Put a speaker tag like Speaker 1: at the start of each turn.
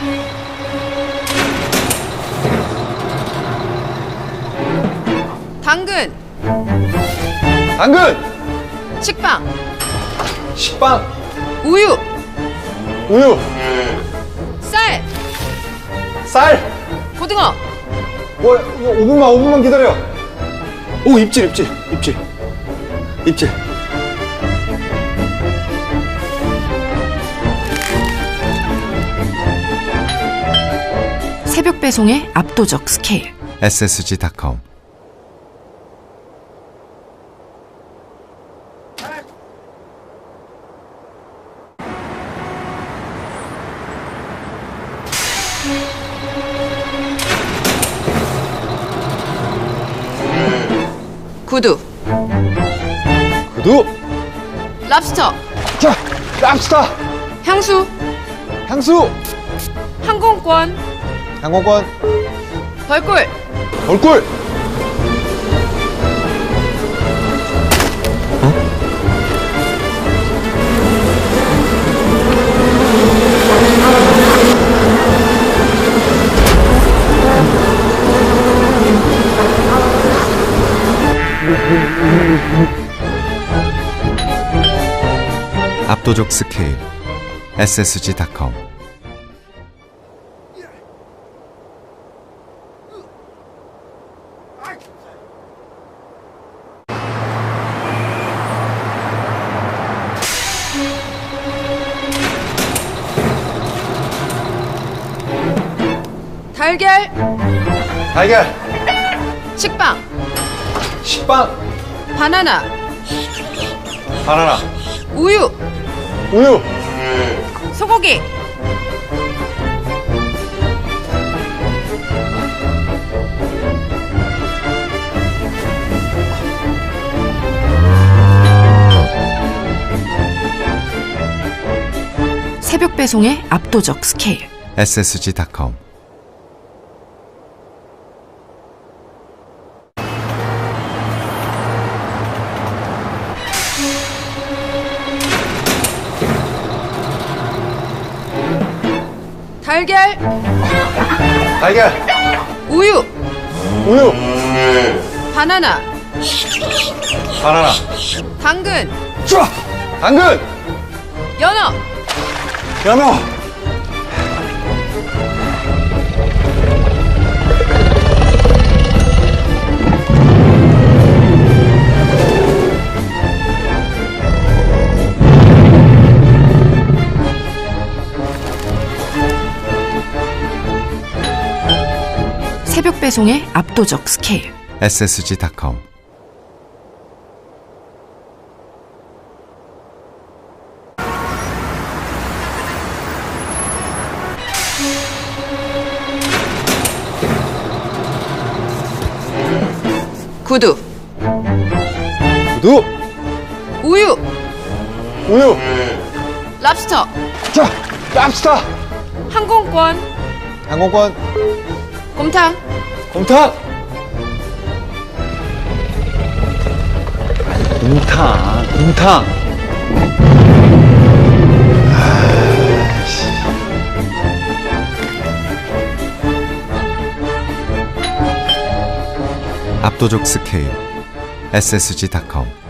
Speaker 1: 당근.
Speaker 2: 당근.
Speaker 1: 식빵.
Speaker 2: 식빵.
Speaker 1: 우유.
Speaker 2: 우유.
Speaker 1: 쌀.
Speaker 2: 쌀.
Speaker 1: 고등어.
Speaker 2: 이거 5분만 기다려. 오, 입질.
Speaker 3: 새벽 배송의 압도적 스케일.
Speaker 4: ssg.com.
Speaker 1: 구두.
Speaker 2: 구두.
Speaker 1: 랍스터.
Speaker 2: 자, 랍스터.
Speaker 1: 향수.
Speaker 2: 향수.
Speaker 1: 항공권.
Speaker 2: 항공권.
Speaker 1: 벌꿀.
Speaker 2: 벌꿀.
Speaker 4: 압도적 스케일. ssg.com.
Speaker 1: 달걀.
Speaker 2: 달걀.
Speaker 1: 식빵.
Speaker 2: 식빵.
Speaker 1: 바나나.
Speaker 2: 바나나.
Speaker 1: 우유.
Speaker 2: 우유.
Speaker 1: 소고기.
Speaker 3: 새벽 배송의 압도적 스케일.
Speaker 4: ssg.com.
Speaker 1: 달걀.
Speaker 2: 달걀.
Speaker 1: 우유.
Speaker 2: 우유.
Speaker 1: 바나나.
Speaker 2: 바나나.
Speaker 1: 당근.
Speaker 2: 좋아. 당근.
Speaker 1: 연어.
Speaker 2: 연어.
Speaker 3: 새벽 배송의 압도적 스케일.
Speaker 4: ssg.com.
Speaker 1: 구두.
Speaker 2: 구두.
Speaker 1: 우유.
Speaker 2: 우유.
Speaker 1: 랍스터.
Speaker 2: 자, 랍스터.
Speaker 1: 항공권.
Speaker 2: 항공권.
Speaker 1: 곰탕.
Speaker 2: 곰탕. 곰탕.
Speaker 4: 압도적 스케일. ssg.com.